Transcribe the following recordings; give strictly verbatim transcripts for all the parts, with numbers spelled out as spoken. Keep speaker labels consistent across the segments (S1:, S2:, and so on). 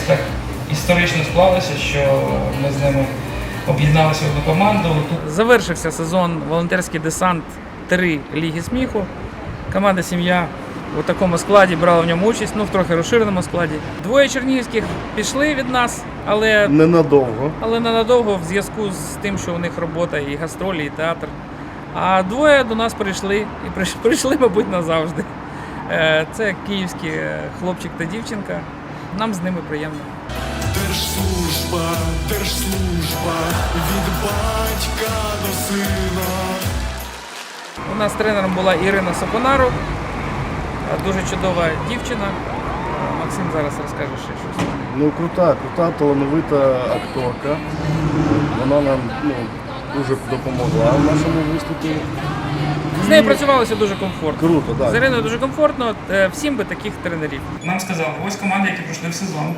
S1: так історично склалося, що ми з ними об'єдналися в одну команду. Завершився сезон «Волонтерський десант три Ліги сміху». Команда «Сім'я» у такому складі брала в ньому участь, ну в трохи розширеному складі. Двоє чернігівських пішли від нас, але
S2: ненадовго.
S1: Але ненадовго в зв'язку з тим, що у них робота і гастролі, і театр. А двоє до нас прийшли, і прийшли, мабуть, назавжди. Це київський хлопчик та дівчинка. Нам з ними приємно.
S3: Держслужба, держслужба, від батька до сина.
S1: У нас тренером була Ірина Сапонару, дуже чудова дівчина. Максим зараз розкаже ще щось.
S2: Ну, крута, крута, талановита акторка. Вона нам ну, дуже допомогла в нашому виступі.
S1: З нею працювалося дуже комфортно.
S2: Круто, так.
S1: З Іриною дуже комфортно, всім би таких тренерів. Нам сказали, ось команди, які пройшли в сезон.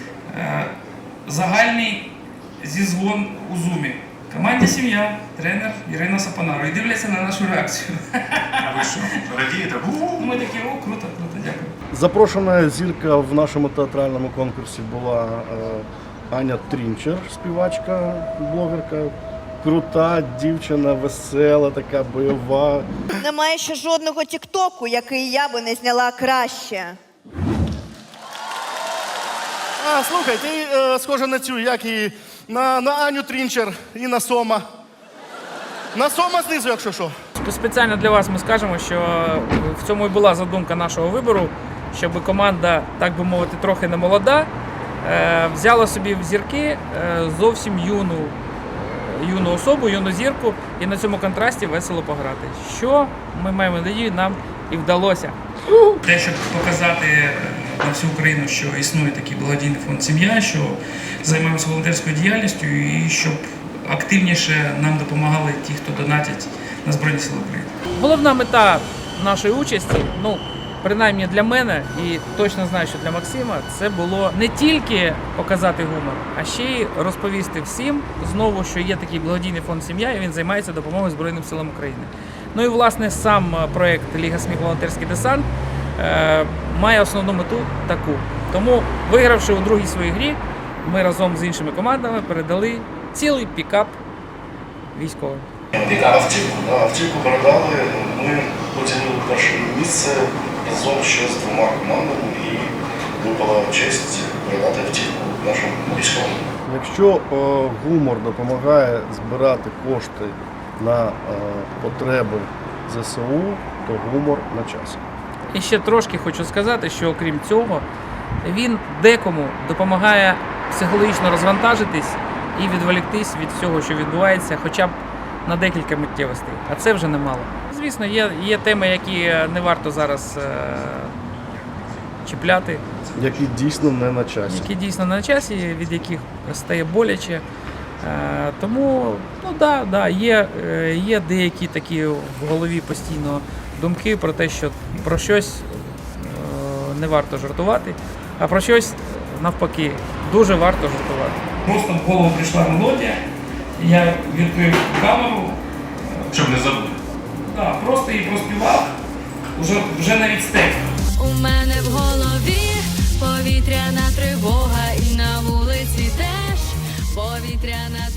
S1: Загальний зізвон у Зумі. Команді «Сім'я», тренер Ірина Сапонару. І дивляться на нашу реакцію.
S3: А ви що, радієте?
S1: Ми такі, о, круто, круто, дякую.
S2: Запрошена зірка в нашому театральному конкурсі була е, Аня Трінчер, співачка, блогерка. Крута дівчина, весела, така бойова.
S4: Немає ще жодного тіктоку, який я би не зняла краще.
S2: А, слухай, ти е, схожа на цю, як і на, на Аню Трінчер і на Сома. На Сома знизу, якщо що.
S1: Спеціально для вас ми скажемо, що в цьому і була задумка нашого вибору, щоб команда, так би мовити, трохи не молода, е, взяла собі в зірки е, зовсім юну, юну особу, юну зірку, і на цьому контрасті весело пограти. Що, ми маємо надію, нам і вдалося. Те, щоб показати на всю Україну, що існує такий благодійний фонд «Сім'я», що займаємося волонтерською діяльністю і щоб активніше нам допомагали ті, хто донатять на Збройні Сили України. Головна мета нашої участі, ну, принаймні для мене, і точно знаю, що для Максима, це було не тільки показати гумор, а ще й розповісти всім знову, що є такий благодійний фонд «Сім'я», і він займається допомогою Збройним силам України. Ну і, власне, сам проєкт «Ліга сміху. Волонтерський десант» е, має основну мету таку. Тому, вигравши у другій своїй грі, ми разом з іншими командами передали цілий пікап військовим.
S2: Автівку, да, автівку передали, ми поділили перше місце разом ще з двома командами і випала честь передати автівку нашим військовим. Якщо е, гумор допомагає збирати кошти на е, потреби зе се у, то гумор на часі.
S1: І ще трошки хочу сказати, що окрім цього, він декому допомагає психологічно розвантажитись і відволіктись від всього, що відбувається, хоча б на декілька миттєвостей. А це вже немало. Звісно, є, є теми, які не варто зараз е- чіпляти.
S2: Які дійсно не на часі.
S1: Які дійсно не на часі, від яких стає боляче. Е- тому, ну да, да, є, е- є деякі такі в голові постійно думки про те, що про щось е- не варто жартувати, а про щось, навпаки, дуже варто жартувати. Просто в голову прийшла мелодія, я відкрив камеру.
S3: Щоб не забути.
S1: Так, просто її проспівав, вже, вже навіть з текстом.
S5: У мене в голові повітряна тривога, і на вулиці теж повітряна